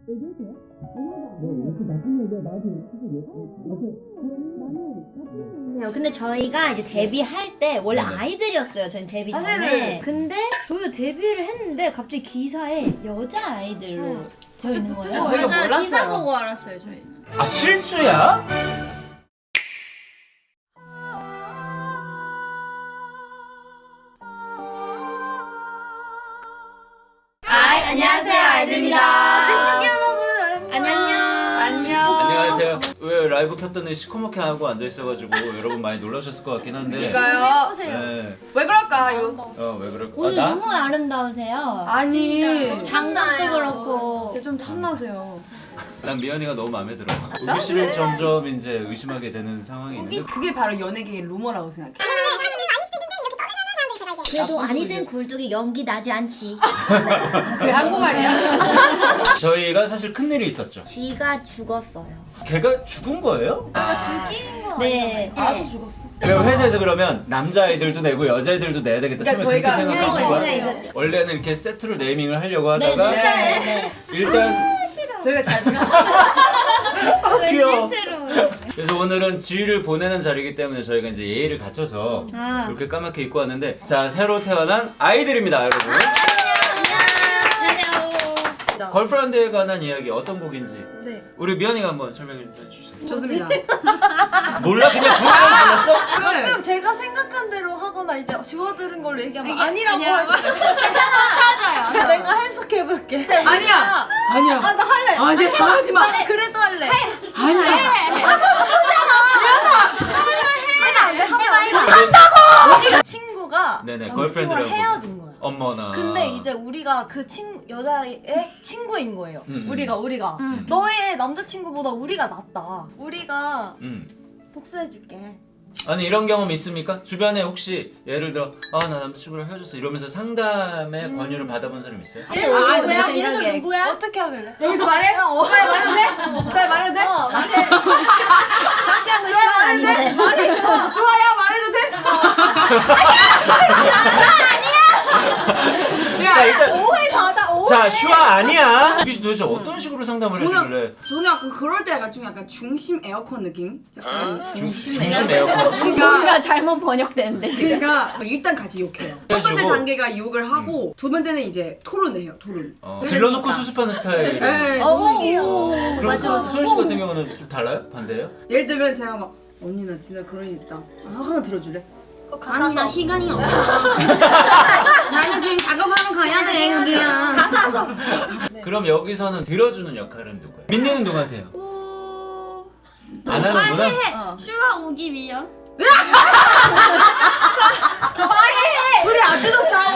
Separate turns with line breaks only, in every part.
얘기해도 돼요? 뭐 이렇게 나쁜 얘기야 나한테
나는 근데 저희가 이제 데뷔할 때 원래
네네.
아이들이었어요. 저희 데뷔 전에.
사실은-
근데 저희가 데뷔를 했는데 갑자기 기사에 여자 아이들로 되어 있는 거예요.
저희가
저희가
몰랐어요.
기사 보고 알았어요 저희는.
아 실수야?
안녕하세요 아이들입니다. 안녕.
안녕하세요. 왜 라이브 켰더니 시커멓게 하고 앉아 있어가지고 여러분 많이 놀라셨을 것 같긴 한데.
그러니까요.
네.
왜 그럴까요?
왜 그럴까?
오늘
나?
너무 아름다우세요.
아니
장갑도 그렇고.
진짜 좀 탐나세요.
난 미연이가 너무 마음에 들어. 우기 씨를 점점 이제 의심하게 되는 상황이 있는데.
그게 바로 연예계의 루머라고 생각해.
그래도 아니든 굴뚝이 연기 나지 않지.
그게 한국말이야?
저희가 사실 큰 일이 있었죠.
쥐가 죽었어요.
걔가 죽은 거예요?
네.
알아서 죽었어.
그럼 회사에서 그러면 남자아이들도 내고 여자아이들도 내야 되겠다.
그러니까
처음에 그렇게
저희가
생각한
있었어요,
거야.
있었죠.
원래는 이렇게 세트로 네이밍을 하려고 하다가
네.
일단
저희가 잘 불러.
귀여워.
실제로.
그래서 오늘은 쥐를 보내는 자리이기 때문에 저희가 이제 예의를 갖춰서
아.
이렇게 까맣게 입고 왔는데 자 새로 태어난 아이들입니다 여러분.
안녕하세요.
걸프란드에 관한 이야기 어떤 곡인지
네.
우리 미연이가 한번 설명해 주세요.
좋습니다.
몰라 그냥 부르면 불렀어?
가끔 제가 생각한 대로 하거나 이제 주워들은 걸로 얘기하면 아니라고
아니라고.
할 때.
찾아요.
내가 해석해볼게.
아니야. 아니야.
아, 나 할래.
아니야. 당하지 마.
그래도 할래.
아니야.
친구가
네네,
남친과
걸프렌드라고.
헤어진 거야.
어머나.
근데 이제 우리가 그 여자의 친구인 거예요. 우리가 너의 남자친구보다 우리가 낫다. 우리가 복수해줄게.
아니 이런 경험 있습니까? 주변에 혹시 예를 들어 아 나 남자친구랑 헤어졌어 이러면서 상담의 권유를 받아본 사람 있어요?
누구야?
누구야?
이런 누구야?
어떻게 하길래?
여기서 말해? 잘 말해도 돼? 잘 말해도 돼?
말해. 다시 한번 시간 아닌데.
좋아요. 말해도 돼?
자 일단
오해 받아. 오해.
자 슈아 아니야. 우기 씨 도대체 어떤 식으로 상담을 하시길래
저는 약간 그럴 때가 좀 약간 중심 에어컨 느낌? 약간
중심 에어컨
그러니까
뭔가 잘못 번역되는데 지금.
그러니까 일단 같이 욕해요. 첫 번째
해주고.
단계가 욕을 하고 두 번째는 이제 토론해요. 토론.
질러놓고 수습하는 스타일.
네,
그럼
맞아.
소연 씨 같은 경우는 좀 달라요? 반대예요?
예를 들면 제가 막 언니 나 진짜 그런 일 있다. 한번 들어줄래?
아니 나 시간이 없어. 나는 지금 작업하러 가야 돼 여기야. 가서.
그럼 여기서는 들어주는 역할은 누구예요? 민니는 누구한테 해요?
오.
안 하는구나?
해. 슈아 오기 미연.
둘이 아직도 싸워?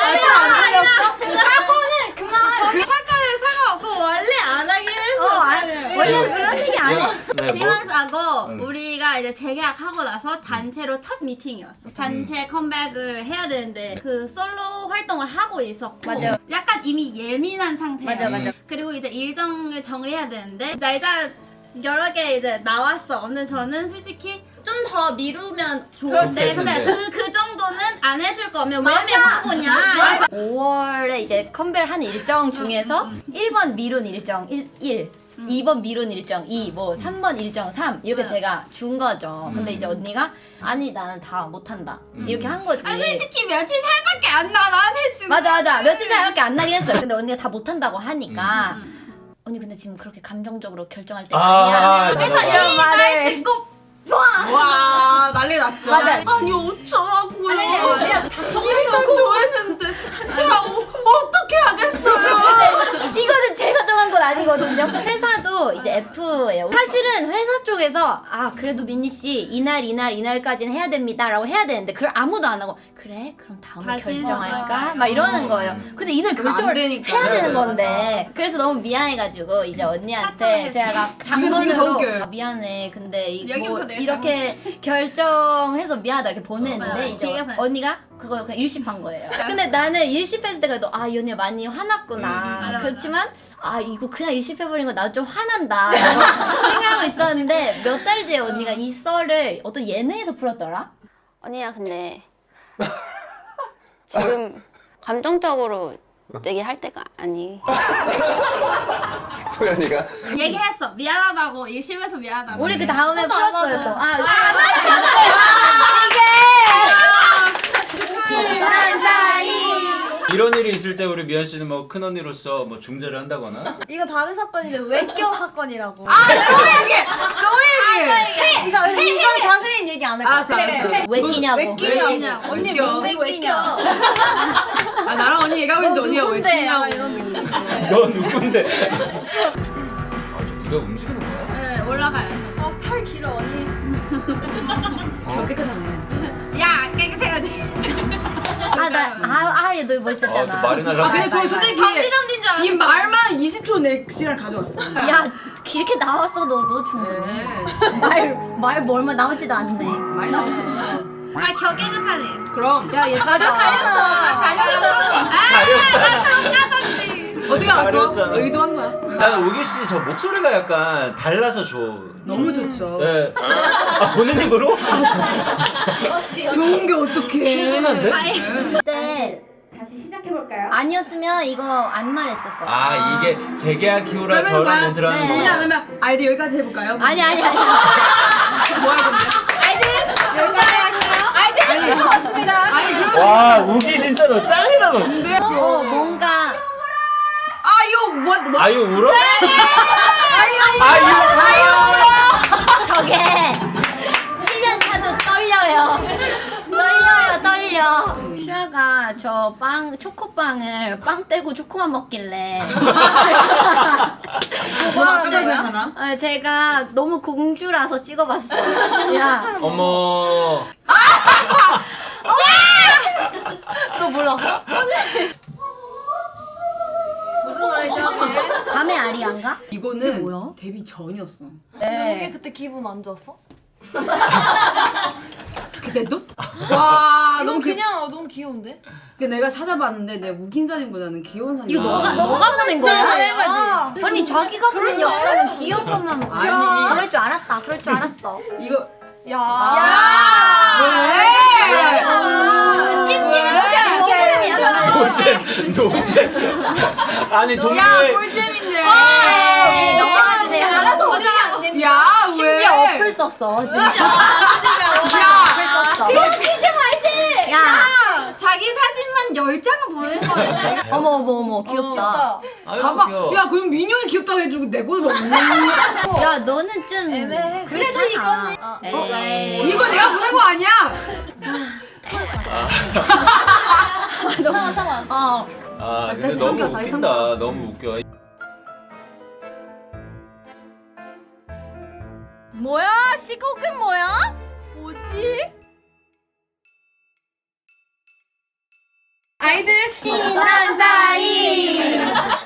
사고는 그만. 사과는 사과하고 원래 안 하긴 했어.
원래 그런 얘기 안 해.
네, 뭐?
프리랜서하고
응.
우리가 이제 재계약하고 나서 단체로 첫 미팅이었어. 단체 컴백을 해야 되는데 그 솔로 활동을 하고 있었고
맞아요.
약간 이미 예민한 상태였어.
맞아.
그리고 이제 일정을 정리해야 되는데 날짜 여러 개 이제 나왔어. 근데 저는 솔직히 좀 더 미루면 좋은데 근데
좋겠는데.
그 정도는 안 해줄 거면 왜 바보냐.
5월에 이제 컴배를 하는 일정 중에서 1번 미룬 일정 1, 2번 미룬 일정 2, 뭐 3번 일정 3 이렇게 제가 준 거죠. 근데 이제 언니가 아니 나는 다 못한다 이렇게 한 거지.
아 솔직히 며칠 살밖에 안 나. 나는 지금
맞아 며칠 차이밖에 안 나긴 했어요. 근데 언니가 다 못한다고 하니까 언니 근데 지금 그렇게 감정적으로 결정할 때가 아니야.
그래서
이런 말을
듣고
와 난리 났죠.
맞아.
아니 어쩌라고요.
그냥
이미 좋아했는데 제가 어떻게 하겠어요.
이거는 제가 정한 건 아니거든요. 회사도 이제 F예요. 사실은 회사 쪽에서 아 그래도 민니 씨 이날까지는 해야 됩니다라고 해야 되는데 그걸 아무도 안 하고 그래 그럼 다음에
다시
결정할까
맞아.
막 이러는 거예요. 근데 이날
그럼 안
결정을
되니까.
해야 되는
네,
건데 그래서 너무 미안해가지고 이제 언니한테
사퇴했어.
제가
이거 더
장문으로
웃겨요.
아, 미안해 근데
여기부터
뭐
내가
이렇게 결정해서 미안하다 이렇게 보냈는데
맞아.
이제
되게 보냈어.
언니가 그거 그냥 일십한 거예요. 근데 나는 일십했을 때가 아 이 언니 많이 화났구나.
맞아.
그렇지만 아 이거 그냥 일십해버린 거 나도 좀 화난다 생각하고 있었는데 몇 달 뒤에 언니가 이 썰을 어떤 예능에서 풀었더라.
언니야 근데 지금 감정적으로 얘기할 때가 아니. 소연이가
얘기했어. 미안하다고. 일심에서 미안하다고.
우리 그 다음에 풀었어요 또. 친한 사이.
이런 일이 있을 때 우리 미연 씨는 뭐 큰 언니로서 뭐 중재를 한다거나.
이거 다른 사건인데 외껴 사건이라고. 이건 자세히 얘기 안 할 거야.
알았어, 알았어.
왜 끼냐고.
왜 끼냐고. 언니
끼냐고.
왜 끼냐.
아 나랑 언니 얘기하고
너
있는데 언니가 왜
누군데?
끼냐고.
약간 이런 느낌.
너 누군데? 아저 무대 움직이는 거야?
네, 올라가요.
팔 길어 언니. 깨끗하네.
야, 깨끗해야지.
얘너 멋있었잖아.
또 말이 날라.
아 근데 저 솔직히
덤디덤디인 줄 알았어.
이 말만 20초 내 시간 가져왔어.
야 이렇게 나왔어 너도 충분히. 말 얼마 남지도 않네.
많이 나왔어.
아, 겨 깨끗하네.
그럼
야얘 가려.
가렸어.
가렸잖아.
어떻게 알았어?
가렸잖아.
의도한 거야.
나는 우기 씨 저 목소리가 약간 달라서 좋.
너무 좋죠.
네. 아 보는 입으로?
좋은 게 어떡해.
신선한데?
그때
다시 시작해볼까요?
아니었으면 이거 안 말했을 거야.
아 이게 재계약 키우라
그러면
저랑
뭐야?
멘트라는
네.
거구나.
그러면 아이디 여기까지 해볼까요?
아니.
뭐야 근데?
아이들 즐거웠습니다.
아니 그럼
와 우기 진짜 너 짱이다 너.
뭔가
아유 뭐?
아유 울어? 아유
저게 7년 차도 떨려요. 떨려. 슈아가 저 초코빵을 빵 떼고 초코만 먹길래
하나?
제가 너무 공주라서 찍어봤어요. 야,
어머.
너 몰랐어?
무슨 노래죠?
밤의 아리안가?
이거는
뭐야?
데뷔 전이었어.
근데 우리 그때 기분 안 좋았어?
그때도? 와
이건
너무
그냥 너무 귀여운데?
내가 찾아봤는데 내 우긴 사진보다는 귀여운 사진.
이거 너가 보낸 거야?
아,
아니 자기가 보낸 역사는 귀여운 것만 보고.
아니.
그럴 줄 알았다. 그럴 줄 알았어.
이거
야.
노잼. 아니
야
동료의
꿀잼인데.
너가 내가 알아서 올리면 안 돼.
야 왜?
심지어 어플 썼어. 진짜. 어플 썼어. 퀴즈 알지? 야.
자기 사진만 10장을 보낸 거야.
어머 귀엽다.
아유
봐봐.
귀여워.
야 그럼 민영이 귀엽다고 해주고 내 거도 막.
야 너는 좀
애매해.
그래도 이거는 에이.
이거 내가 보낸 거 아니야?
상황.
아 근데
다시
너무
삼겨, 다시
웃긴다. 너무 웃겨.
뭐야? 시국은 뭐야? 뭐지?
아이들
친한 사이.